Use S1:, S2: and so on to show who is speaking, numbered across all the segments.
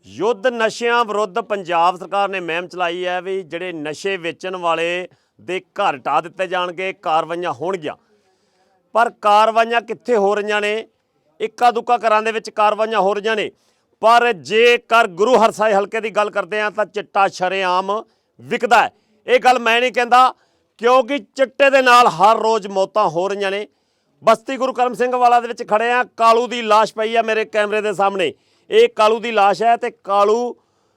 S1: ਯੁੱਧ ਨਸ਼ਿਆਂ ਵਿਰੁੱਧ ਪੰਜਾਬ ਸਰਕਾਰ ਨੇ ਮੁਹਿੰਮ ਚਲਾਈ ਹੈ ਵੀ ਜਿਹੜੇ ਨਸ਼ੇ ਵੇਚਣ ਵਾਲੇ ਦੇ ਘਰ ਢਾਹ ਦਿੱਤੇ ਜਾਣਗੇ, ਕਾਰਵਾਈਆਂ ਹੋਣਗੀਆਂ। ਪਰ ਕਾਰਵਾਈਆਂ ਕਿੱਥੇ ਹੋ ਰਹੀਆਂ ਨੇ? ਇੱਕਾ ਦੁੱਕਾ ਘਰਾਂ ਦੇ ਵਿੱਚ ਕਾਰਵਾਈਆਂ ਹੋ ਰਹੀਆਂ ਨੇ। ਪਰ ਜੇਕਰ ਗੁਰੂ ਹਰਸਾਏ ਹਲਕੇ ਦੀ ਗੱਲ ਕਰਦੇ ਹਾਂ ਤਾਂ ਚਿੱਟਾ ਸ਼ਰੇਆਮ ਵਿਕਦਾ ਹੈ। ਇਹ ਗੱਲ ਮੈਂ ਨਹੀਂ ਕਹਿੰਦਾ, ਕਿਉਂਕਿ ਚਿੱਟੇ ਦੇ ਨਾਲ ਹਰ ਰੋਜ਼ ਮੌਤਾਂ ਹੋ ਰਹੀਆਂ ਨੇ। ਬਸਤੀ ਗੁਰੂ ਕਰਮ ਸਿੰਘ ਵਾਲਾ ਦੇ ਵਿੱਚ ਖੜੇ ਆ, ਕਾਲੂ ਦੀ ਲਾਸ਼ ਪਈ ਆ ਮੇਰੇ ਕੈਮਰੇ ਦੇ ਸਾਹਮਣੇ। ਇਹ ਕਾਲੂ ਦੀ ਲਾਸ਼ ਹੈ ਤੇ ਕਾਲੂ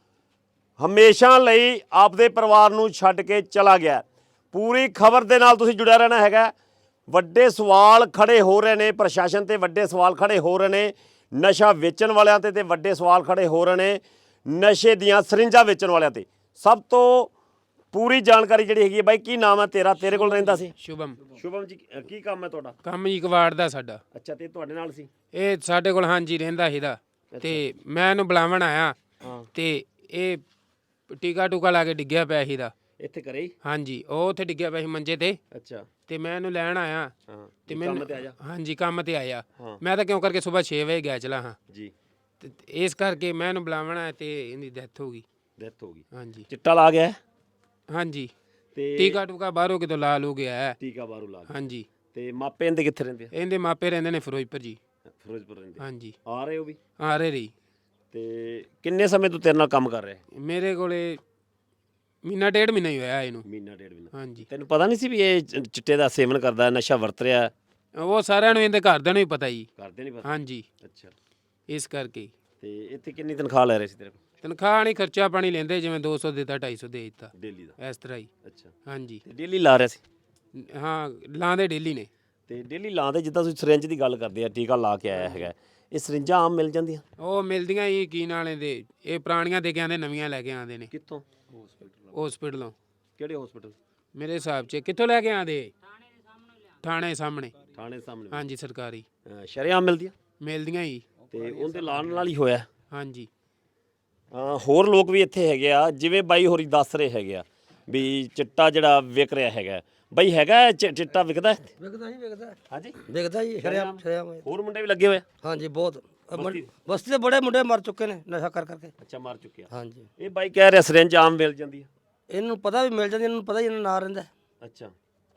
S1: ਹਮੇਸ਼ਾ ਲਈ ਆਪਦੇ ਪਰਿਵਾਰ ਨੂੰ ਛੱਡ ਕੇ ਚਲਾ ਗਿਆ। ਪੂਰੀ ਖਬਰ ਦੇ ਨਾਲ ਤੁਸੀਂ ਜੁੜਿਆ ਰਹਿਣਾ ਹੈਗਾ। ਵੱਡੇ ਸਵਾਲ ਖੜੇ ਹੋ ਰਹੇ ਨੇ, ਪ੍ਰਸ਼ਾਸਨ ਤੇ ਵੱਡੇ ਸਵਾਲ ਖੜੇ ਹੋ ਰਹੇ ਨੇ, ਨਸ਼ਾ ਵੇਚਣ ਵਾਲਿਆਂ ਤੇ ਵੱਡੇ ਸਵਾਲ ਖੜੇ ਹੋ ਰਹੇ ਨੇ, ਨਸ਼ੇ ਦੀਆਂ ਸਰਿੰਜਾਂ ਵੇਚਣ ਵਾਲਿਆਂ ਤੇ। ਸਭ ਤੋਂ ਪੂਰੀ ਜਾਣਕਾਰੀ ਜਿਹੜੀ ਹੈਗੀ ਹੈ, ਬਾਈ ਕੀ ਨਾਮ ਹੈ ਤੇਰਾ? ਤੇਰੇ ਕੋਲ ਰਹਿੰਦਾ ਸੀ?
S2: ਸ਼ੁਭਮ
S1: ਜੀ ਕੀ ਕੰਮ ਹੈ ਤੁਹਾਡਾ?
S2: ਕੰਮ ਜੀ ਕਵਾੜ ਦਾ ਸਾਡਾ।
S1: ਅੱਛਾ, ਤੇ ਤੁਹਾਡੇ ਨਾਲ ਸੀ?
S2: ਇਹ ਸਾਡੇ ਕੋਲ ਹਾਂਜੀ ਰਹਿੰਦਾ ਸੀਦਾ ਤੇ ਮੈਂ ਇਹਨੂੰ ਬੁਲਾਵਣ ਆਇਆ ਤੇ ਇਹ ਟੀਕਾ ਟੂਕਾ ਲਾ ਕੇ ਡਿੱਗਿਆ ਪਿਆ ਸੀਦਾ
S1: ਇੱਥੇ ਕਰੇ ਹੀ?
S2: ਹਾਂਜੀ, ਉਹ ਉੱਥੇ ਡਿੱਗਿਆ ਪਿਆ ਸੀ ਮੰਜੇ ਤੇ।
S1: ਅੱਛਾ,
S2: ਤੇ ਮੈਂ ਇਹਨੂੰ ਲੈਣ ਆਇਆ ਤੇ ਮੈਨੂੰ
S1: ਕੰਮ ਤੇ ਆ ਜਾ।
S2: ਹਾਂਜੀ, ਕੰਮ ਤੇ ਆਇਆ। ਮੈਂ ਤਾਂ ਕਿਉਂ ਕਰਕੇ ਸਵੇਰ 6 ਵਜੇ ਗਿਆ ਚਲਾ ਹਾਂ
S1: ਜੀ,
S2: ਤੇ ਇਸ ਕਰਕੇ ਮੈਂ ਇਹਨੂੰ ਬੁਲਾਵਣ ਆਇਆ ਤੇ ਇਹਦੀ ਡੈਥ ਹੋ ਗਈ।
S1: ਡੈਥ ਹੋ ਗਈ?
S2: ਹਾਂਜੀ
S1: ਚਿੱਟਾ ਲਾ ਗਿਆ
S2: ਹਾਂਜੀ,
S1: ਤੇ
S2: ਟੀਕਾ ਟੂਕਾ ਬਾਹਰੋਂ ਕਿਤੋਂ ਲਾ ਲੂ ਗਿਆ ਹੈ।
S1: ਟੀਕਾ ਬਾਹਰੋਂ ਲਾ ਗਿਆ।
S2: ਹਾਂਜੀ,
S1: ਤੇ ਮਾਪੇ ਇਹਦੇ ਕਿੱਥੇ ਰਹਿੰਦੇ ਆ?
S2: ਇਹਦੇ ਮਾਪੇ ਰਹਿੰਦੇ ਨੇ ਫਿਰੋਜ਼ਪੁਰ ਜੀ।
S1: ਫਿਰੋਜ਼ਪੁਰ ਰਹਿੰਦੇ?
S2: ਹਾਂਜੀ,
S1: ਆ ਰਹੇ ਹੋ ਵੀ?
S2: ਆ ਰਹੇ ਰਹੀ।
S1: ਤੇ ਕਿੰਨੇ ਸਮੇਂ ਤੋਂ ਤੇਰੇ ਨਾਲ ਕੰਮ ਕਰ ਰਿਹਾ?
S2: ਮੇਰੇ ਕੋਲੇ ਮਹੀਨਾ ਡੇਢ ਮਹੀਨਾ ਹੀ ਹੋਇਆ ਇਹਨੂੰ।
S1: ਮਹੀਨਾ ਡੇਢ ਮਹੀਨਾ?
S2: ਹਾਂਜੀ,
S1: ਤੈਨੂੰ ਪਤਾ ਨਹੀਂ ਸੀ ਵੀ ਇਹ ਚਿੱਟੇ ਦਾ ਸੇਵਨ ਕਰਦਾ, ਨਸ਼ਾ ਵਰਤ ਰਿਹਾ?
S2: ਉਹ ਸਾਰਿਆਂ ਨੂੰ ਇਹਦੇ ਘਰਦਿਆਂ ਨੂੰ ਹੀ ਪਤਾ ਜੀ।
S1: ਕਰਦੇ ਨਹੀਂ ਪਤਾ?
S2: ਹਾਂਜੀ,
S1: ਅੱਛਾ,
S2: ਇਸ ਕਰਕੇ।
S1: ਤੇ ਇੱਥੇ ਕਿੰਨੀ ਤਨਖਾਹ ਲੈ ਰਹੇ ਸੀ ਤੇਰੇ ਕੋਲ?
S2: ਤਨਖਾਹ ਨਹੀਂ, ਖਰਚਾ ਪਾਣੀ ਲੈਂਦੇ, ਜਿਵੇਂ 200 ਦਿੱਤਾ 250 ਦੇ ਦਿੱਤਾ,
S1: ਡੇਲੀ ਦਾ?
S2: ਇਸ ਤਰ੍ਹਾਂ ਹੀ।
S1: ਅੱਛਾ,
S2: ਹਾਂਜੀ,
S1: ਤੇ ਡੇਲੀ ਲਾ ਰਿਹਾ ਸੀ?
S2: ਹਾਂ ਲਾਉਂਦੇ ਡੇਲੀ ਨੇ।
S1: ਤੇ ਡੇਲੀ ਲਾਉਂਦੇ, ਜਿੱਦਾਂ ਤੁਸੀਂ ਸਿਰਿੰਜ ਦੀ ਗੱਲ ਕਰਦੇ ਆ, ਟੀਕਾ ਲਾ ਕੇ ਆਇਆ ਹੈਗਾ, ਇਹ ਸਿਰਿੰਜਾਂ ਆਮ ਮਿਲ ਜਾਂਦੀਆਂ?
S2: ਉਹ ਮਿਲਦੀਆਂ ਹੀ ਕੀ ਨਾਲੇ ਦੇ, ਇਹ ਪੁਰਾਣੀਆਂ ਦੇ ਕੇ ਆਉਂਦੇ, ਨਵੀਆਂ ਲੈ ਕੇ ਆਉਂਦੇ ਨੇ।
S1: ਕਿੱਥੋਂ?
S2: ਹਸਪੀਟਲੋਂ।
S1: ਕਿਹੜੇ ਹਸਪੀਟਲ?
S2: ਮੇਰੇ ਹਿਸਾਬ 'ਚ ਕਿੱਥੋਂ ਲੈ ਕੇ ਆਉਂਦੇ? ਥਾਣੇ ਸਾਹਮਣੇ।
S1: ਥਾਣੇ ਸਾਹਮਣੇ?
S2: ਹਾਂਜੀ, ਸਰਕਾਰੀ
S1: ਸ਼ਰੇਆਮ ਮਿਲਦੀਆਂ?
S2: ਮਿਲਦੀਆਂ ਹੀ।
S1: ਤੇ ਉਹਦੇ ਲਾਣ ਨਾਲ ਹੀ ਹੋਇਆ?
S2: ਹਾਂਜੀ,
S1: ਹੋਰ ਲੋਕ ਵੀ ਇੱਥੇ ਹੈਗੇ ਆ, ਜਿਵੇਂ ਬਾਈ ਹੋਰੀ ਦੱਸ ਰਹੇ ਹੈਗੇ ਆ ਵੀ ਚਿੱਟਾ ਜਿਹੜਾ ਵਿਕ ਰਿਹਾ ਹੈਗਾ। ਬਾਈ ਹੈਗਾ ਚਿੱਟਾ ਵਿਕਦਾ?
S3: ਵਿਕਦਾ ਹੀ ਵਿਕਦਾ।
S1: ਹਾਂਜੀ,
S3: ਵਿਕਦਾ ਜੀ, ਸ਼ਰਿਆਮ ਸ਼ਰਿਆਮ।
S1: ਹੋਰ ਮੁੰਡੇ ਵੀ ਲੱਗੇ ਹੋਏ ਆ?
S3: ਹਾਂਜੀ, ਬਹੁਤ। ਬਸਤੀ ਦੇ ਬੜੇ ਮੁੰਡੇ ਮਰ ਚੁੱਕੇ ਨੇ ਨਸ਼ਾ ਕਰ ਕਰਕੇ।
S1: ਅੱਛਾ, ਮਾਰ ਚੁੱਕਿਆ?
S3: ਹਾਂਜੀ,
S1: ਇਹ ਬਾਈ ਕਹਿ ਰਿਹਾ ਸਿਰਿੰਜ ਆਮ ਮਿਲ ਜਾਂਦੀ ਹੈ?
S3: ਇਹਨੂੰ ਪਤਾ ਵੀ ਮਿਲ ਜਾਂਦੀ, ਇਹਨੂੰ ਪਤਾ ਹੀ ਇਹਨਾਂ ਨਾਂ ਰਹਿੰਦਾ।
S1: ਅੱਛਾ,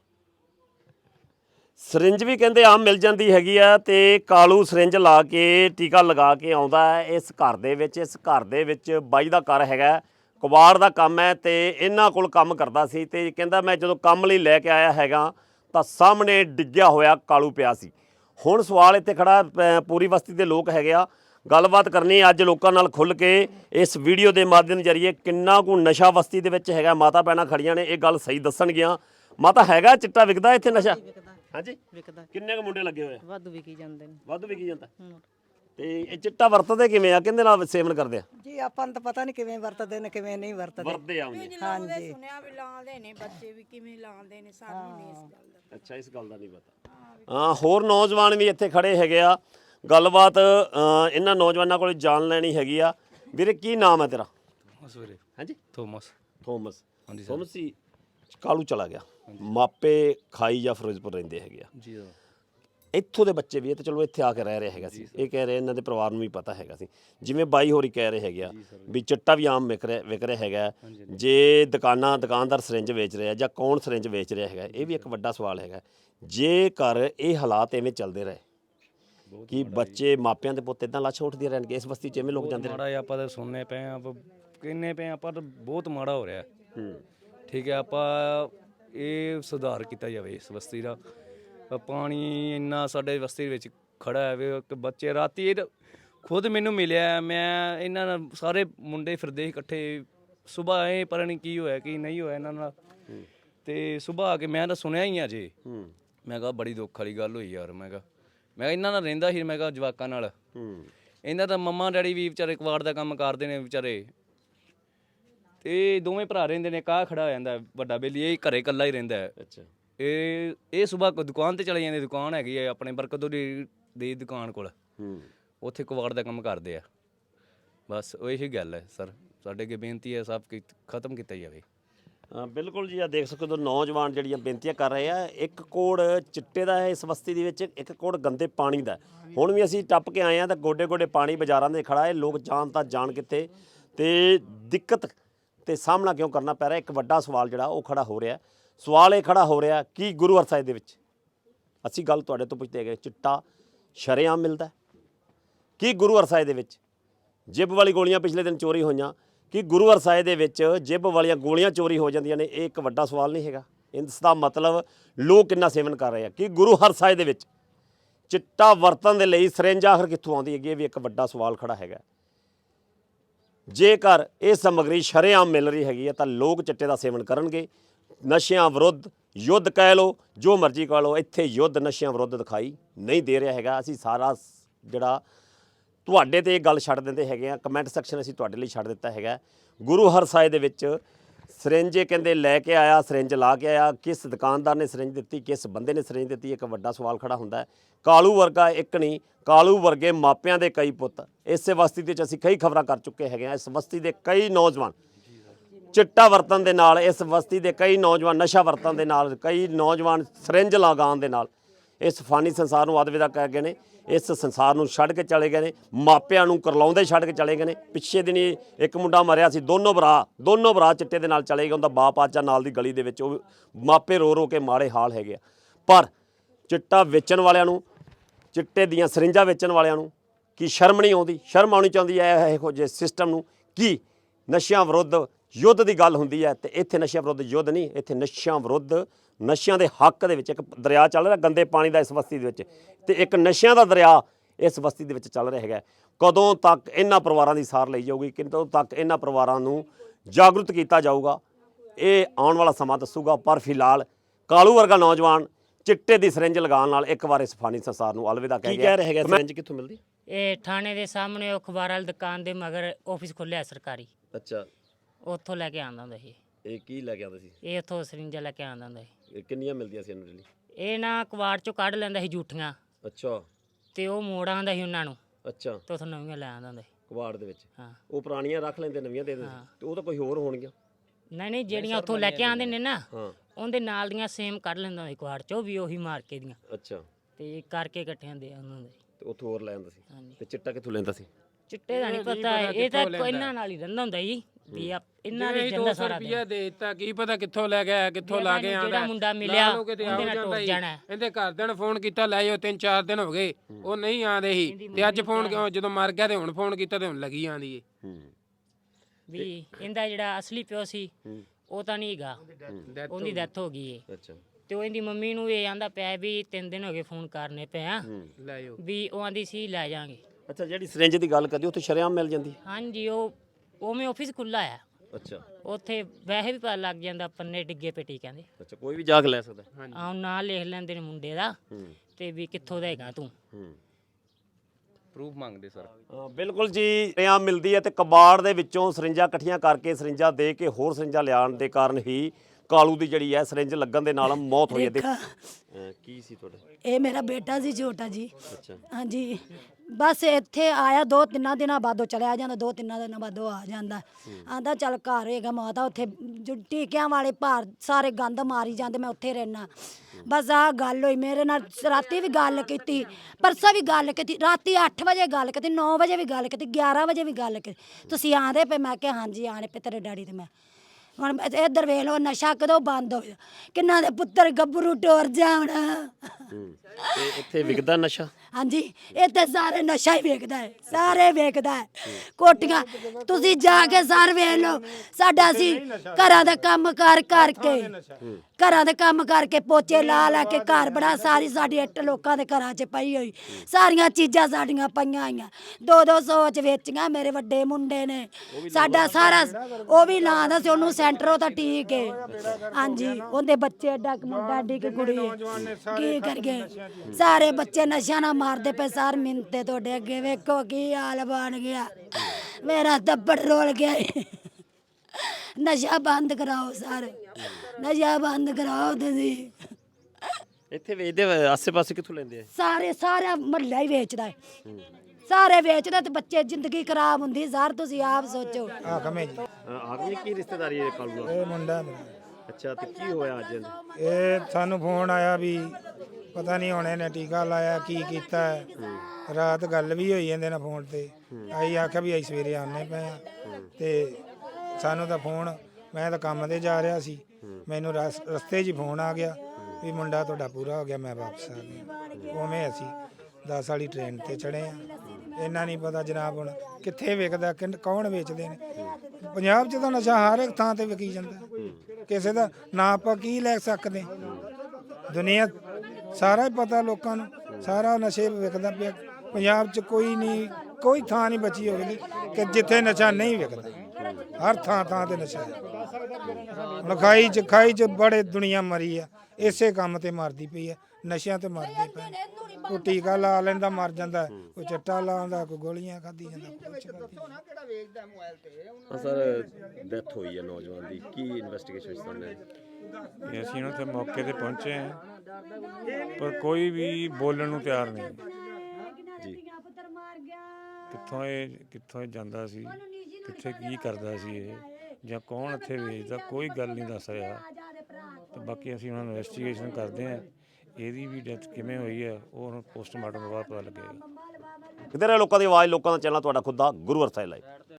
S1: ਸਿਰਿੰਜ ਵੀ ਕਹਿੰਦੇ ਆਮ ਮਿਲ ਜਾਂਦੀ ਹੈਗੀ ਆ। ਤੇ ਕਾਲੂ ਸਿਰਿੰਜ ਲਾ ਕੇ ਟੀਕਾ ਲਗਾ ਕੇ ਆਉਂਦਾ ਹੈ ਇਸ ਘਰ ਦੇ ਵਿੱਚ। ਇਸ ਘਰ ਦੇ ਵਿੱਚ ਬਾਈ ਦਾ ਘਰ ਹੈਗਾ, ਕਬਾੜ ਦਾ ਕੰਮ ਹੈ ਤੇ ਇਹਨਾਂ ਕੋਲ ਕੰਮ ਕਰਦਾ ਸੀ। ਤੇ ਕਹਿੰਦਾ ਮੈਂ ਜਦੋਂ ਕੰਮ ਲਈ ਲੈ ਕੇ ਆਇਆ ਹੈਗਾ ਤਾਂ ਸਾਹਮਣੇ ਡਿੱਗਿਆ ਹੋਇਆ ਕਾਲੂ ਪਿਆ ਸੀ। ਹੁਣ ਸਵਾਲ ਇੱਥੇ ਖੜਾ, ਪੂਰੀ ਬਸਤੀ ਦੇ ਲੋਕ ਹੈਗੇ ਆ, ਗੱਲਬਾਤ ਕਰਨੀ ਅੱਜ ਲੋਕਾਂ ਨਾਲ ਖੁੱਲ੍ਹ ਕੇ ਇਸ ਵੀਡੀਓ ਦੇ ਮਾਧਿਅਮ ਜ਼ਰੀਏ। ਕਿੰਨਾ ਕੁ ਨਸ਼ਾ ਬਸਤੀ ਦੇ ਵਿੱਚ ਹੈਗਾ, ਮਾਤਾ ਭੈਣਾਂ ਖੜੀਆਂ ਨੇ, ਇਹ ਗੱਲ ਸਹੀ ਦੱਸਣਗੀਆਂ। ਮਾਤਾ, ਹੈਗਾ ਚਿੱਟਾ ਵਿਕਦਾ ਇੱਥੇ ਨਸ਼ਾ? ਹਾਂਜੀ,
S4: ਵਿਕਦਾ।
S1: ਕਿੰਨੇ ਕੁ ਮੁੰਡੇ ਲੱਗੇ ਹੋਏ ਆ?
S4: ਵਾਧੂ ਵਿਕੀ ਜਾਂਦੇ ਨੇ।
S1: ਵਾਧੂ ਵਿਕੀ ਜਾਂਦਾ? ਤੇ ਇਹ ਚਿੱਟਾ ਵਰਤਦੇ ਕਿਵੇਂ ਆ? ਕਿਹਦੇ ਨਾਲ ਸੇਵਨ ਕਰਦੇ ਆ?
S5: ਜੀ ਆਪਾਂ ਨੂੰ ਤਾਂ ਪਤਾ ਨਹੀਂ ਕਿਵੇਂ ਵਰਤਦੇ ਨੇ ਕਿਵੇਂ ਨਹੀਂ ਵਰਤਦੇ।
S1: ਵਰਤਦੇ ਆਉਂਦੇ?
S5: ਹਾਂਜੀ,
S6: ਸੁਣਿਆ ਵੀ ਲਾਉਂਦੇ ਨੇ ਬੱਚੇ ਵੀ, ਕਿਵੇਂ ਲਾਉਂਦੇ ਨੇ ਸਾਨੂੰ ਨਹੀਂ ਇਸ ਗੱਲ ਦਾ।
S1: ਅੱਛਾ, ਇਸ ਗੱਲ ਦਾ ਨਹੀਂ ਪਤਾ। ਹੋਰ ਨੌਜਵਾਨ ਵੀ ਇੱਥੇ ਖੜੇ ਹੈਗੇ ਆ, ਗੱਲਬਾਤ ਇਹਨਾਂ ਨੌਜਵਾਨਾਂ ਕੋਲ ਜਾਣ ਲੈਣੀ ਹੈਗੀ ਆ। ਵੀਰੇ ਕੀ ਨਾਮ ਹੈ ਤੇਰਾ?
S7: ਥੋਮਸ ਵੀਰੇ।
S1: ਹਾਂਜੀ,
S7: ਥੋਮਸ।
S1: ਥੋਮਸ।
S7: ਹਾਂਜੀ ਸਰ।
S1: ਥੋਮਸ ਜੀ, ਕਾਲੂ ਚਲਾ ਗਿਆ, ਮਾਪੇ ਖਾਈ ਜਾਂ ਫਿਰੋਜ਼ਪੁਰ ਰਹਿੰਦੇ ਹੈਗੇ ਆ।
S7: ਜੀ ਸਰ।
S1: ਇੱਥੋਂ ਦੇ ਬੱਚੇ ਵੀ, ਇਹ ਤਾਂ ਚਲੋ ਇੱਥੇ ਆ ਕੇ ਰਹਿ ਰਿਹਾ ਹੈਗਾ ਸੀ, ਇਹ ਕਹਿ ਰਹੇ ਇਹਨਾਂ ਦੇ ਪਰਿਵਾਰ ਨੂੰ ਵੀ ਪਤਾ ਹੈਗਾ ਸੀ, ਜਿਵੇਂ ਬਾਈ ਹੋਰੀ ਕਹਿ ਰਹੇ ਹੈਗੇ ਆ ਵੀ ਚਿੱਟਾ ਵੀ ਆਮ ਵਿਕ ਰਿਹਾ ਹੈਗਾ। ਜੇ ਦੁਕਾਨਦਾਰ ਸਿਰਿੰਜ ਵੇਚ ਰਿਹਾ ਜਾਂ ਕੌਣ ਸਿਰਿੰਜ ਵੇਚ ਰਿਹਾ ਹੈਗਾ, ਇਹ ਵੀ ਇੱਕ ਵੱਡਾ ਸਵਾਲ ਹੈਗਾ। ਜੇਕਰ ਇਹ ਹਾਲਾਤ ਐਵੇਂ ਚੱਲਦੇ ਰਹੇ ਕਿ ਬੱਚੇ ਮਾਪਿਆਂ ਦੇ ਪੁੱਤ ਇਦਾਂ ਲਾਸ਼ਾਂ ਉੱਠਦੀਆਂ ਰਹਿਣਗੇ ਇਸ ਬਸਤੀ 'ਚ, ਐਵੇਂ ਲੋਕ ਜਾਂਦੇ
S7: ਮਾੜਾ ਜਿਹਾ ਆਪਾਂ ਤਾਂ ਸੁਣਨੇ ਪਏ ਆ, ਕਿੰਨੇ ਪਏ ਆ, ਪਰ ਬਹੁਤ ਮਾੜਾ ਹੋ ਰਿਹਾ। ਠੀਕ ਹੈ, ਆਪਾਂ ਇਹ ਸੁਧਾਰ ਕੀਤਾ ਜਾਵੇ ਇਸ ਬਸਤੀ ਦਾ। ਪਾਣੀ ਇੰਨਾ ਸਾਡੇ ਬਸਤੀ ਵਿੱਚ ਖੜਾ ਹੈ ਵੇ ਕਿ ਬੱਚੇ ਰਾਤੀ ਖੁਦ ਮੈਨੂੰ ਮਿਲਿਆ, ਮੈਂ ਇਹਨਾਂ ਨਾਲ ਸਾਰੇ ਮੁੰਡੇ ਫਿਰਦੇ ਇਕੱਠੇ ਸੁਬਾਹ, ਇਹ ਪਤਾ ਨਹੀਂ ਕੀ ਹੋਇਆ ਕੀ ਨਹੀਂ ਹੋਇਆ ਇਹਨਾਂ ਨਾਲ। ਤੇ ਸੁਬਾਹ ਆ ਕੇ ਮੈਂ ਤਾਂ ਸੁਣਿਆ ਹੀ ਆ ਜੇ, ਮੈਂ ਕਿਹਾ ਬੜੀ ਦੁੱਖ ਵਾਲੀ ਗੱਲ ਹੋਈ ਯਾਰ। ਮੈਂ ਇਹਨਾਂ ਨਾਲ ਰਹਿੰਦਾ ਸੀ, ਮੈਂ ਕਿਹਾ ਜਵਾਕਾਂ ਨਾਲ। ਇਹਨਾਂ ਦਾ ਮੰਮਾ ਡੈਡੀ ਵੀ ਵਿਚਾਰੇ ਕਵਾੜ ਦਾ ਕੰਮ ਕਰਦੇ ਨੇ ਵਿਚਾਰੇ, ਤੇ ਦੋਵੇਂ ਭਰਾ ਰਹਿੰਦੇ ਨੇ। ਕਾਹ ਖੜਾ ਹੋ ਜਾਂਦਾ ਵੱਡਾ ਬੇਲੀ, ਇਹ ਘਰੇ ਇਕੱਲਾ ਹੀ ਰਹਿੰਦਾ ਹੈ।
S1: ਅੱਛਾ,
S7: ਇਹ ਸੁਬਾਹ ਦੁਕਾਨ ਤੇ ਚਲੇ ਜਾਂਦੇ, ਦੁਕਾਨ ਹੈਗੀ ਹੈ ਆਪਣੇ ਬਰਕਤੁਰੀ ਦੀ ਦੁਕਾਨ ਕੋਲ, ਉੱਥੇ ਕਵਾੜ ਦਾ ਕੰਮ ਕਰਦੇ ਆ। ਬਸ ਇਹੀ ਗੱਲ ਹੈ ਸਰ, ਸਾਡੇ ਅੱਗੇ ਬੇਨਤੀ ਹੈ ਸਭ ਖਤਮ ਕੀਤਾ ਜਾਵੇ।
S1: ਬਿਲਕੁਲ ਜੀ, ਆ ਦੇਖ ਸਕਦੇ ਹੋ ਨੌਜਵਾਨ ਜਿਹੜੀਆਂ ਬੇਨਤੀਆਂ ਕਰ ਰਹੇ ਆ। ਇੱਕ ਕੋੜ ਚਿੱਟੇ ਦਾ ਹੈ ਇਸ ਬਸਤੀ ਦੇ ਵਿੱਚ, ਇੱਕ ਕੋੜ ਗੰਦੇ ਪਾਣੀ ਦਾ। ਹੁਣ ਵੀ ਅਸੀਂ ਟੱਪ ਕੇ ਆਏ ਆ ਤਾਂ ਗੋਡੇ ਗੋਡੇ ਪਾਣੀ ਬਾਜ਼ਾਰਾਂ ਦੇ ਖੜਾ ਹੈ। ਲੋਕ ਜਾਣ ਤਾਂ ਜਾਣ ਕਿੱਥੇ, ਤੇ ਦਿੱਕਤ ਤੇ ਸਾਹਮਣਾ ਕਿਉਂ ਕਰਨਾ ਪੈ ਰਿਹਾ। ਇੱਕ ਵੱਡਾ ਸਵਾਲ ਜਿਹੜਾ ਉਹ ਖੜਾ ਹੋ ਰਿਹਾ। ਸਵਾਲ ਇਹ ਖੜਾ ਹੋ ਰਿਹਾ ਕਿ ਗੁਰੂ ਹਰਸਾਏ ਦੇ ਵਿੱਚ, ਅਸੀਂ ਗੱਲ ਤੁਹਾਡੇ ਤੋਂ ਪੁੱਛਦੇ ਹੈਗੇ, ਚਿੱਟਾ ਸ਼ਰੇਆਮ ਮਿਲਦਾ ਕੀ ਗੁਰੂ ਹਰਸਾਏ ਦੇ ਵਿੱਚ? ਜਿਬ ਵਾਲੀ ਗੋਲੀਆਂ ਪਿਛਲੇ ਦਿਨ ਚੋਰੀ ਹੋਈਆਂ, ਕਿ ਗੁਰੂ ਹਰਸਾਏ ਦੇ ਵਿੱਚ ਜਿਬ ਵਾਲੀਆਂ ਗੋਲੀਆਂ ਚੋਰੀ ਹੋ ਜਾਂਦੀਆਂ ਨੇ? ਇਹ ਇੱਕ ਵੱਡਾ ਸਵਾਲ ਨਹੀਂ ਹੈਗਾ? ਇਸ ਦਾ ਮਤਲਬ ਲੋਕ ਕਿੰਨਾ ਸੇਵਨ ਕਰ ਰਹੇ ਆ ਕਿ ਗੁਰੂ ਹਰਸਾਏ ਦੇ ਵਿੱਚ ਚਿੱਟਾ ਵਰਤਣ ਦੇ ਲਈ ਸਿਰੰਜ ਆਖਰ ਕਿੱਥੋਂ ਆਉਂਦੀ ਹੈਗੀ? ਇਹ ਵੀ ਇੱਕ ਵੱਡਾ ਸਵਾਲ ਖੜਾ ਹੈਗਾ। ਜੇਕਰ ਇਹ ਸਮੱਗਰੀ ਸ਼ਰੇਆਮ ਮਿਲ ਰਹੀ ਹੈਗੀ ਹੈ ਤਾਂ ਲੋਕ ਚਿੱਟੇ ਦਾ ਸੇਵਨ ਕਰਨਗੇ। ਨਸ਼ਿਆਂ ਵਿਰੁੱਧ ਯੁੱਧ ਕਹਿ ਲਓ, ਜੋ ਮਰਜ਼ੀ ਕਹਿ ਲਓ, ਇੱਥੇ ਯੁੱਧ ਨਸ਼ਿਆਂ ਵਿਰੁੱਧ ਦਿਖਾਈ ਨਹੀਂ ਦੇ ਰਿਹਾ ਹੈਗਾ। ਅਸੀਂ ਸਾਰਾ ਜਿਹੜਾ ਤੁਹਾਡੇ ਤੇ ਇਹ ਗੱਲ ਛੱਡ ਦਿੰਦੇ ਹੈਗੇ ਆ, ਕਮੈਂਟ ਸੈਕਸ਼ਨ ਅਸੀਂ ਤੁਹਾਡੇ ਲਈ ਛੱਡ ਦਿੱਤਾ ਹੈਗਾ। ਗੁਰੂ ਹਰਸਾਏ ਦੇ ਵਿੱਚ ਸਿਰੰਜ ਕਹਿੰਦੇ ਲੈ ਕੇ ਆਇਆ, ਸਿਰੰਜ ਲਾ ਕੇ ਆਇਆ। ਕਿਸ ਦੁਕਾਨਦਾਰ ਨੇ ਸਿਰੰਜ ਦਿੱਤੀ, ਕਿਸ ਬੰਦੇ ਨੇ ਸਿਰੰਜ ਦਿੱਤੀ, ਇੱਕ ਵੱਡਾ ਸਵਾਲ ਖੜਾ ਹੁੰਦਾ ਹੈ। ਕਾਲੂ ਵਰਗਾ ਇੱਕ ਨਹੀਂ, ਕਾਲੂ ਵਰਗੇ ਮਾਪਿਆਂ ਦੇ ਕਈ ਪੁੱਤ ਇਸੇ ਬਸਤੀ ਦੇ ਵਿੱਚ ਅਸੀਂ ਕਈ ਖਬਰਾਂ ਕਰ ਚੁੱਕੇ ਹੈਗੇ ਆ। ਇਸ ਬਸਤੀ ਦੇ ਕਈ ਨੌਜਵਾਨ ਚਿੱਟਾ ਵਰਤਨ ਦੇ ਨਾਲ, ਇਸ ਬਸਤੀ ਦੇ ਕਈ ਨੌਜਵਾਨ ਨਸ਼ਾ ਵਰਤਨ ਦੇ ਨਾਲ, ਕਈ ਨੌਜਵਾਨ ਸਿਰੰਜ ਲਗਾਉਣ ਦੇ ਨਾਲ ਇਸ ਫਾਨੀ ਸੰਸਾਰ ਨੂੰ ਅਦਵਿਦਾ ਕਰ ਗਏ ਨੇ। ਇਸ ਸੰਸਾਰ ਨੂੰ ਛੱਡ ਕੇ ਚਲੇ ਗਏ ਨੇ, ਮਾਪਿਆਂ ਨੂੰ ਕਰਲਾਉਂਦੇ ਛੱਡ ਕੇ ਚਲੇ ਗਏ ਨੇ। ਪਿੱਛੇ ਦਿਨ ਇੱਕ ਮੁੰਡਾ ਮਰਿਆ ਸੀ, ਦੋਨੋਂ ਭਰਾ ਚਿੱਟੇ ਦੇ ਨਾਲ ਚਲੇ ਗਏ। ਉਹਦਾ ਬਾਪ ਆਚਾ ਨਾਲ ਦੀ ਗਲੀ ਦੇ ਵਿੱਚ, ਉਹ ਮਾਪੇ ਰੋ ਰੋ ਕੇ ਮਾੜੇ ਹਾਲ ਹੈਗੇ ਆ। ਪਰ ਚਿੱਟਾ ਵੇਚਣ ਵਾਲਿਆਂ ਨੂੰ, ਚਿੱਟੇ ਦੀਆਂ ਸਰਿੰਜਾਂ ਵੇਚਣ ਵਾਲਿਆਂ ਨੂੰ ਕੀ ਸ਼ਰਮ ਨਹੀਂ ਆਉਂਦੀ? ਸ਼ਰਮ ਆਉਣੀ ਚਾਹੁੰਦੀ ਹੈ ਇਹੋ ਜਿਹੇ ਸਿਸਟਮ ਨੂੰ ਕਿ ਨਸ਼ਿਆਂ ਵਿਰੁੱਧ ਯੁੱਧ ਦੀ ਗੱਲ ਹੁੰਦੀ ਹੈ ਤੇ ਇੱਥੇ ਨਸ਼ਿਆਂ ਵਿਰੁੱਧ ਯੁੱਧ ਨਹੀਂ, ਇੱਥੇ ਨਸ਼ਿਆਂ ਵਿਰੁੱਧ, ਨਸ਼ਿਆਂ ਦੇ ਹੱਕ ਦੇ ਵਿੱਚ ਇੱਕ ਦਰਿਆ ਚੱਲ ਰਿਹਾ ਗੰਦੇ ਪਾਣੀ ਦਾ ਇਸ ਬਸਤੀ ਦੇ ਵਿੱਚ, ਤੇ ਇੱਕ ਨਸ਼ਿਆਂ ਦਾ ਦਰਿਆ ਇਸ ਬਸਤੀ ਦੇ ਵਿੱਚ ਚੱਲ ਰਿਹਾ ਹੈਗਾ। ਕਦੋਂ ਤੱਕ ਇਹਨਾਂ ਪਰਿਵਾਰਾਂ ਦੀ ਸਾਰ ਲਈ ਜਾਊਗੀ, ਕਦੋਂ ਤੱਕ ਇਹਨਾਂ ਪਰਿਵਾਰਾਂ ਨੂੰ ਜਾਗਰੂਕ ਕੀਤਾ ਜਾਊਗਾ, ਇਹ ਆਉਣ ਵਾਲਾ ਸਮਾਂ ਦੱਸੂਗਾ। ਪਰ ਫਿਲਹਾਲ ਕਾਲੂ ਵਰਗਾ ਨੌਜਵਾਨ ਚਿੱਟੇ ਦੀ ਸਿਰੰਜ ਲਗਾਉਣ ਨਾਲ ਇੱਕ ਵਾਰ ਇਸ ਫਾਨੀ ਸੰਸਾਰ ਨੂੰ ਅਲਵਿਦਾ ਕਹਿ ਗਿਆ। ਕੀ ਕਹਿ ਰਿਹਾ ਹੈਗਾ? ਸਿਰੰਜ ਕਿੱਥੋਂ ਮਿਲਦੀ?
S4: ਇਹ ਥਾਣੇ ਦੇ ਸਾਹਮਣੇ ਉਹ ਅਖਬਾਰ ਵਾਲੀ ਦੁਕਾਨ ਦੇ ਮਗਰ ਆਫਿਸ ਖੁੱਲਿਆ ਸਰਕਾਰੀ,
S1: ਅੱਛਾ,
S4: ਉੱਥੋਂ ਲੈ ਕੇ ਆਉਂਦਾ ਹੁੰਦਾ ਸੀ।
S1: ਇਹ ਕੀ ਲੈ ਕੇ ਆਉਂਦਾ ਸੀ?
S4: ਇਹ ਉੱਥੋਂ ਸਰਿੰਜਾਂ ਲੈ ਕੇ ਆਉਂਦਾ ਹੁੰਦਾ ਸੀ।
S1: ਇਹ ਕਿੰਨੀਆਂ ਮਿਲਦੀਆਂ ਸੀ ਇਹਨੂੰ?
S4: ਇਹ ਨਾ ਕਵਾੜ ਚੋਂ ਕੱਢ ਲੈਂਦਾ ਸੀ ਜੂਠੀਆਂ,
S1: ਅੱਛਾ,
S4: ਤੇ ਉਹ ਮੋੜ ਆਉਂਦਾ ਸੀ ਉਹਨਾਂ ਨੂੰ,
S1: ਅੱਛਾ,
S4: ਤੇ ਉੱਥੋਂ ਨਵੀਆਂ ਲੈ ਆਉਂਦਾ ਹੁੰਦਾ ਸੀ।
S1: ਕਬਾੜ ਦੇ ਵਿੱਚ
S4: ਹਾਂ,
S1: ਉਹ ਪੁਰਾਣੀਆਂ ਰੱਖ ਲੈਂਦੇ, ਨਵੀਆਂ ਦੇ ਦਿੰਦੇ, ਤੇ ਉਹ ਤਾਂ ਕੋਈ ਹੋਰ ਹੋਣਗੀਆਂ।
S4: ਨਹੀਂ ਜਿਹੜੀਆਂ ਉੱਥੋਂ ਲੈ ਕੇ ਆਉਂਦੇ ਨੇ ਨਾ,
S1: ਹਾਂ,
S4: ਉਹਦੇ ਨਾਲ ਦੀਆਂ ਸੇਮ ਕੱਢ ਲੈਂਦਾ ਸੀ ਕਵਾੜ ਚੋਂ ਵੀ, ਉਹੀ ਮਾਰਕੇ ਦੀਆਂ,
S1: ਅੱਛਾ,
S4: ਤੇ ਕਰਕੇ ਇਕੱਠਿਆਂ ਦੇ ਆਉਂਦਾ ਹੁੰਦਾ ਸੀ।
S1: ਤੇ ਉੱਥੋਂ ਹੋਰ ਲੈ ਆਉਂਦਾ ਸੀ।
S4: ਹਾਂਜੀ,
S1: ਤੇ ਚਿੱਟਾ ਕਿੱਥੋਂ ਲੈਂਦਾ ਸੀ?
S4: ਚਿੱਟੇ ਦਾ ਨਹੀਂ ਪਤਾ, ਇਹ ਤਾਂ ਇਹਨਾਂ ਨਾਲ ਹੀ ਰਹਿੰਦਾ ਹੁੰਦਾ ਜੀ ਵੀ ਇਹਨਾਂ ਦੇ ਜੰਦਾ ਸਾਰਾ ਦਿਨ।
S2: ਦੇ ਦਿੱਤਾ, ਕੀ ਪਤਾ ਕਿੱਥੋਂ ਲੈ ਗਿਆ, ਕਿੱਥੋਂ ਲਾ ਕੇ ਆਉਂਦਾ।
S4: ਜਿਹੜਾ ਮੁੰਡਾ ਮਿਲਿਆ ਉਹਦੇ ਨਾਲ ਟੁੱਟ ਜਾਣਾ।
S2: ਇਹਦੇ ਘਰਦਿਆਂ ਨੇ ਫੋਨ ਕੀਤਾ, ਲੈ ਜਾਓ, 3-4 ਦਿਨ ਹੋ ਗਏ, ਉਹ ਨਹੀਂ ਆਉਂਦੇ ਸੀ। ਤੇ ਅੱਜ ਫੋਨ ਜਦੋਂ ਮਰ ਗਿਆ ਤੇ ਹੁਣ ਫੋਨ ਕੀਤਾ ਤੇ ਹੁਣ ਲੱਗੀ ਆਂਦੀ ਏ
S4: ਵੀ ਇਹਦਾ ਜਿਹੜਾ ਅਸਲੀ ਪਿਓ ਸੀ ਉਹ ਤਾਂ ਨਹੀਂ ਹੈਗਾ, ਉਹਦੀ ਡੈਥ ਹੋ ਗਈ ਏ।
S1: ਅੱਛਾ,
S4: ਤੇ ਉਹ ਇਹਦੀ ਮੰਮੀ ਨੂੰ ਇਹ ਆਂਦਾ ਪਿਆ ਵੀ 3 ਦਿਨ ਹੋ ਗਏ ਫੋਨ ਕਰਨੇ ਪਿਆ
S2: ਲੈ ਜਾਓ,
S4: ਵੀ ਉਹ ਆਂਦੀ ਸੀ ਲੈ ਜਾਾਂਗੇ।
S1: ਅੱਛਾ, ਜਿਹੜੀ ਸਿਰੰਜ ਦੀ ਗੱਲ ਕਰਦੀ ਉੱਥੇ ਸ਼ਰੇਆਮ ਮਿਲ ਜਾਂਦੀ?
S4: ਹਾਂਜੀ, ਉਵੇਂ ਆਫਿਸ ਖੁੱਲਾ ਆ,
S1: ਅੱਛਾ,
S4: ਉੱਥੇ ਵੈਸੇ ਵੀ ਪਤਾ ਲੱਗ ਜਾਂਦਾ, ਪੰਨੇ ਡਿੱਗੇ ਪੇਟੀ ਕਹਿੰਦੇ।
S1: ਅੱਛਾ, ਕੋਈ ਵੀ ਜਾ ਕੇ ਲੈ ਸਕਦਾ?
S4: ਆਹ ਨਾਂ ਲਿਖ ਲੈਂਦੇ ਨੇ ਮੁੰਡੇ ਦਾ, ਤੇ ਵੀ ਕਿੱਥੋਂ ਦਾ ਹੈਗਾ ਤੂੰ।
S7: ਪ੍ਰੂਫ ਮੰਗਦੇ ਸਰ।
S1: ਹਾਂ, ਬਿਲਕੁਲ ਜੀ, ਸ਼ਰੇਆਮ ਮਿਲਦੀ ਹੈ ਤੇ ਕਬਾੜ ਦੇ ਵਿੱਚੋਂ ਸਰਿੰਜਾਂ ਇਕੱਠੀਆਂ ਕਰਕੇ, ਸਰਿੰਜਾਂ ਦੇ ਕੇ ਹੋਰ ਸਰਿੰਜਾਂ ਲਿਆਉਣ ਦੇ ਕਾਰਨ ਹੀ ਕਾਲੂ ਦੀ ਜਿਹੜੀ ਹੈ ਸਿਰੰਜ ਲੱਗਣ ਦੇ ਨਾਲ ਮੌਤ ਹੋਈ ਹੈ। ਕੀ ਸੀ ਤੁਹਾਡਾ?
S8: ਇਹ ਮੇਰਾ ਬੇਟਾ ਸੀ ਛੋਟਾ ਜੀ।
S1: ਅੱਛਾ,
S8: ਹਾਂਜੀ, ਬਸ ਇੱਥੇ ਆਇਆ 2-3 ਦਿਨਾਂ ਬਾਅਦ ਉਹ ਚਲਿਆ ਜਾਂਦਾ, 2-3 ਦਿਨਾਂ ਬਾਅਦ ਉਹ ਆ ਜਾਂਦਾ। ਆਂਦਾ ਚੱਲ ਘਰ ਹੈਗਾ ਮਾਤਾ, ਉੱਥੇ ਜੋ ਟੀਕਿਆਂ ਵਾਲੇ ਭਾਰ ਸਾਰੇ ਗੰਦ ਮਾਰੀ ਜਾਂਦੇ, ਮੈਂ ਉੱਥੇ ਰਹਿਣਾ। ਬਸ ਆਹ ਗੱਲ ਹੋਈ ਮੇਰੇ ਨਾਲ। ਰਾਤੀ ਵੀ ਗੱਲ ਕੀਤੀ, ਪਰਸੋਂ ਵੀ ਗੱਲ ਕੀਤੀ, ਰਾਤੀ 8 ਵਜੇ ਗੱਲ ਕੀਤੀ, 9 ਵਜੇ ਵੀ ਗੱਲ ਕੀਤੀ, 11 ਵਜੇ ਵੀ ਗੱਲ ਕੀਤੀ। ਤੁਸੀਂ ਆਂਦੇ ਪਏ? ਮੈਂ ਕਿਹਾ ਹਾਂਜੀ ਆਣੇ ਪਏ ਤੇਰੇ ਡੈਡੀ ਤੇ ਮੈਂ। ਹੁਣ ਇੱਧਰ ਵੇਖ ਲਓ, ਨਸ਼ਾ ਕਦੋਂ ਬੰਦ ਹੋਇਆ? ਕਿੰਨਾ ਦੇ ਪੁੱਤਰ ਗੱਭਰੂ ਟੋਰ ਜਾਣ।
S1: ਤੇ ਇੱਥੇ ਵਿਕਦਾ ਨਸ਼ਾ?
S8: ਹਾਂਜੀ, ਇੱਥੇ ਸਾਰੇ ਨਸ਼ਾ ਹੀ ਵੇਚਦਾ ਹੈ, ਸਾਰੇ ਵੇਚਦਾ ਹੈ। ਕੋਟੀਆਂ ਤੁਸੀਂ ਜਾ ਕੇ ਸਾਰੇ ਵੇਖ ਲਓ। ਸਾਡਾ ਅਸੀਂ ਘਰਾਂ ਦਾ ਕੰਮ ਕਰਕੇ, ਘਰਾਂ ਦੇ ਕੰਮ ਕਰਕੇ, ਪੋਚੇ ਲਾ ਕੇ ਘਰ ਬੜਾ, ਸਾਰੀ ਸਾਡੀ ਇੱਟ ਲੋਕਾਂ ਦੇ ਘਰਾਂ 'ਚ ਪਈ ਹੋਈ, ਸਾਰੀਆਂ ਚੀਜ਼ਾਂ ਸਾਡੀਆਂ ਪਈਆਂ ਹੋਈਆਂ। 200 ਚ ਵੇਚੀਆਂ ਮੇਰੇ ਵੱਡੇ ਮੁੰਡੇ ਨੇ। ਸਾਡਾ ਸਾਰਾ ਉਹ ਵੀ ਲਾਉਂਦਾ ਸੀ, ਉਹਨੂੰ ਸੈਂਟਰੋਂ ਤਾਂ ਠੀਕ ਹੈ। ਹਾਂਜੀ, ਉਹਦੇ ਬੱਚੇ ਐਡਾ ਮੁੰਡਾ ਐਡੀ ਕੁੜੀ ਕੀ ਕਰੀਏ? ਸਾਰੇ ਬੱਚੇ ਨਸ਼ਿਆਂ ਨਾਲ ਮਾਰਦੇ ਪਏ। ਸਾਰ ਮਿੰਤੇ ਤੁਹਾਡੇ ਅੱਗੇ ਵੇਖੋ ਕੀ ਹਾਲ ਬਣ ਗਿਆ, ਮੇਰਾ ਦੱਬੜ ਰੋਲ ਗਿਆ। ਨਸ਼ਾ ਬੰਦ ਕਰਾਓ ਸਰ, ਨਸ਼ਾ ਬੰਦ ਕਰਾਓ ਤੁਸੀਂ।
S1: ਇੱਥੇ ਵੇਚਦੇ ਆਸੇ ਪਾਸੇ ਕਿੱਥੋਂ ਲੈਂਦੇ ਆ?
S8: ਸਾਰਾ ਮਹੱਲਾ ਹੀ ਵੇਚਦਾ ਹੈ, ਸਾਰੇ ਵੇਚਦੇ ਤੇ ਬੱਚੇ ਜ਼ਿੰਦਗੀ ਖਰਾਬ ਹੁੰਦੀ ਸਰ ਤੁਸੀਂ ਆਪ ਸੋਚੋ।
S1: ਹਾਕਮ ਜੀ ਕੀ ਰਿਸ਼ਤੇਦਾਰੀ ਹੈ ਕਾਲੂ ਨਾਲ?
S9: ਇਹ ਮੁੰਡਾ ਮੇਰਾ।
S1: ਅੱਛਾ ਤੇ ਕੀ ਹੋਇਆ ਅੱਜ?
S9: ਇਹ ਸਾਨੂੰ ਫੋਨ ਆਇਆ ਵੀ ਪਤਾ ਨਹੀਂ ਹੁਣ ਇਹਨੇ ਟੀਕਾ ਲਾਇਆ ਕੀ ਕੀਤਾ ਹੈ। ਰਾਤ ਗੱਲ ਵੀ ਹੋਈ ਇਹਦੇ ਨਾਲ ਫੋਨ ਤੇ। ਅਸੀਂ ਆਖਿਆ ਵੀ ਅਸੀਂ ਸਵੇਰੇ ਆਉਣੇ ਪਏ ਆ ਤੇ ਸਾਨੂੰ ਤਾਂ ਫੋਨ, ਮੈਂ ਤਾਂ ਕੰਮ ਤੇ ਜਾ ਰਿਹਾ ਸੀ, ਮੈਨੂੰ ਰਸਤੇ 'ਚ ਫੋਨ ਆ ਗਿਆ ਵੀ ਮੁੰਡਾ ਤੁਹਾਡਾ ਪੂਰਾ ਹੋ ਗਿਆ, ਮੈਂ ਵਾਪਸ ਆ ਗਿਆ। ਉਵੇਂ ਅਸੀਂ 10 ਵਾਲੀ ਟ੍ਰੇਨ ਤੇ ਚੜੇ ਆ। ਇਹਨਾਂ ਨਹੀਂ ਪਤਾ ਜਨਾਬ ਹੁਣ ਕਿੱਥੇ ਵਿਕਦਾ, ਕੌਣ ਵੇਚਦੇ ਨੇ। ਪੰਜਾਬ 'ਚ ਤਾਂ ਨਸ਼ਾ ਹਰ ਇੱਕ ਥਾਂ ਤੇ ਵਿਕੀ ਜਾਂਦਾ, ਕਿਸੇ ਦਾ ਨਾਂ ਆਪਾਂ ਕੀ ਲੈ ਸਕਦੇ। ਦੁਨੀਆ ਸਾਰਾ ਹੀ ਪਤਾ ਲੋਕਾਂ ਨੂੰ, ਸਾਰਾ ਨਸ਼ੇ ਵਿਕਦਾ ਪਿਆ। ਪੰਜਾਬ 'ਚ ਕੋਈ ਥਾਂ ਨਹੀਂ ਬਚੀ ਹੋਵੇਗੀ ਕਿ ਜਿੱਥੇ ਨਸ਼ਾ ਨਹੀਂ ਵਿਕਦਾ। ਹਰ ਥਾਂ ਤੇ ਨਸ਼ਾ ਹੈ। ਹੁਣ ਖਾਈ 'ਚ ਬੜੇ ਦੁਨੀਆ ਮਰੀ ਆ, ਇਸੇ ਕੰਮ ਤੇ ਮਰਦੀ ਪਈ ਹੈ, ਨਸ਼ਿਆਂ ਤੇ ਮਰਦੀ ਪਈ। ਕੋਈ ਟੀਕਾ ਲਾ ਲੈਂਦਾ ਮਰ ਜਾਂਦਾ, ਕੋਈ ਚਿੱਟਾ ਲਾਉਂਦਾ, ਕੋਈ ਗੋਲੀਆਂ ਖਾਧੀ ਜਾਂਦਾ।
S1: ਸਰ ਡੈਥ ਹੋਈ ਹੈ ਨੌਜਵਾਨ ਦੀ, ਕੀ ਇਨਵੈਸਟੀਗੇਸ਼ਨ ਸਾਹਮਣੇ?
S10: ਅਸੀਂ ਉੱਥੇ ਮੌਕੇ ਤੇ ਪਹੁੰਚੇ ਹਾਂ, ਪਰ ਕੋਈ ਵੀ ਬੋਲਣ ਨੂੰ ਤਿਆਰ ਨਹੀਂ
S1: ਜੀ।
S10: ਕਿੱਥੋਂ ਇਹ ਜਾਂਦਾ ਸੀ, ਕਿੱਥੇ ਕੀ ਕਰਦਾ ਸੀ ਇਹ, ਜਾਂ ਕੌਣ ਇੱਥੇ ਵੇਚਦਾ, ਕੋਈ ਗੱਲ ਨਹੀਂ ਦੱਸ ਰਿਹਾ। ਤੇ ਬਾਕੀ ਅਸੀਂ ਉਹਨਾਂ ਨੂੰ ਇਨਵੈਸਟੀਗੇਸ਼ਨ ਕਰਦੇ ਹਾਂ। ਇਹਦੀ ਵੀ ਡੈਥ ਕਿਵੇਂ ਹੋਈ ਹੈ ਉਹ ਹੁਣ ਪੋਸਟਮਾਰਟਮ ਤੋਂ ਬਾਅਦ ਪਤਾ ਲੱਗੇਗਾ।
S1: ਕਿਤੇ ਲੋਕਾਂ ਦੀ ਆਵਾਜ਼, ਲੋਕਾਂ ਦਾ ਚੈਨਲ ਤੁਹਾਡਾ ਖੁਦ ਦਾ ਗੁਰੂ ਅਰਥ ਲਾਈਵ।